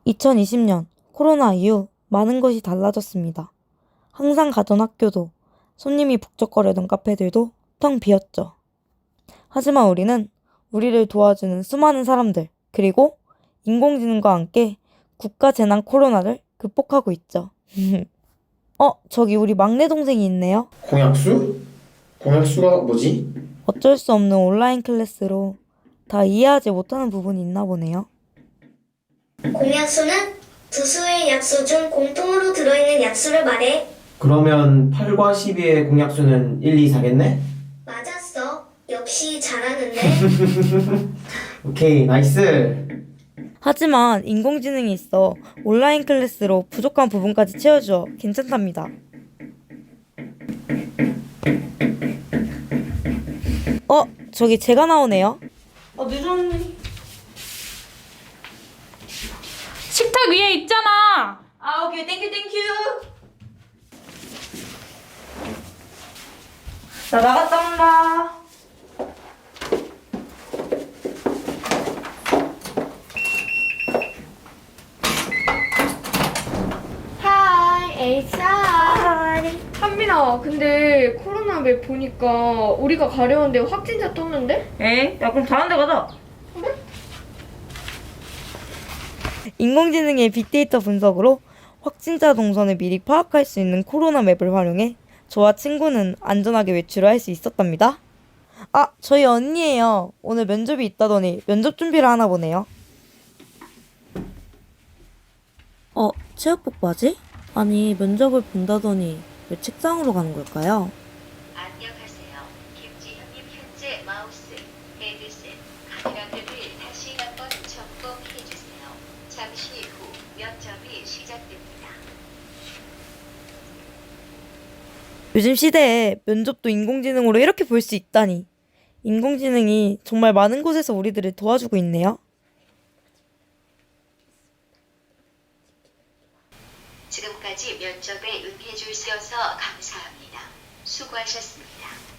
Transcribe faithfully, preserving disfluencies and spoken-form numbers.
이천이십 년 코로나 이후 많은 것이 달라졌습니다. 항상 가던 학교도 손님이 북적거리던 카페들도 텅 비었죠. 하지만 우리는 우리를 도와주는 수많은 사람들 그리고 인공지능과 함께 국가 재난 코로나를 극복하고 있죠. 어, 저기 우리 막내 동생이 있네요. 공약수? 공약수가 뭐지? 어쩔 수 없는 온라인 클래스로 다 이해하지 못하는 부분이 있나 보네요. 공약수는 두 수의 약수 중 공통으로 들어있는 약수를 말해. 그러면 팔과 십이의 공약수는 일, 이, 사겠네? 맞았어. 역시 잘하는데. 오케이, 나이스. 하지만 인공지능이 있어 온라인 클래스로 부족한 부분까지 채워줘 괜찮답니다. 어, 저기 제가 나오네요. 어, 늦었네. 식탁 위에 있잖아. 아, 오케이. 땡큐, 땡큐. 나 나갔다 온다. 하이, 에이차. 하이. 한민아, 근데 코로나 맵 보니까 우리가 가려운데 확진자 떴는데? 에이, 야, 그럼 다른 데 가자. 인공지능의 빅데이터 분석으로 확진자 동선을 미리 파악할 수 있는 코로나 맵을 활용해 저와 친구는 안전하게 외출을 할 수 있었답니다. 아, 저희 언니예요. 오늘 면접이 있다더니 면접 준비를 하나 보네요. 어, 체육복 바지? 아니, 면접을 본다더니 왜 책상으로 가는 걸까요? 안녕하세요. 김지현님 현재 마우스, 헤드셋, 카메라들을 다시 한번 점검해주세요. 잠시 후 면접이 시작됩니다. 요즘 시대에 면접도 인공지능으로 이렇게 볼 수 있다니. 인공지능이 정말 많은 곳에서 우리들을 도와주고 있네요. 지금까지 면접에 응해주셔서 감사합니다. 수고하셨습니다.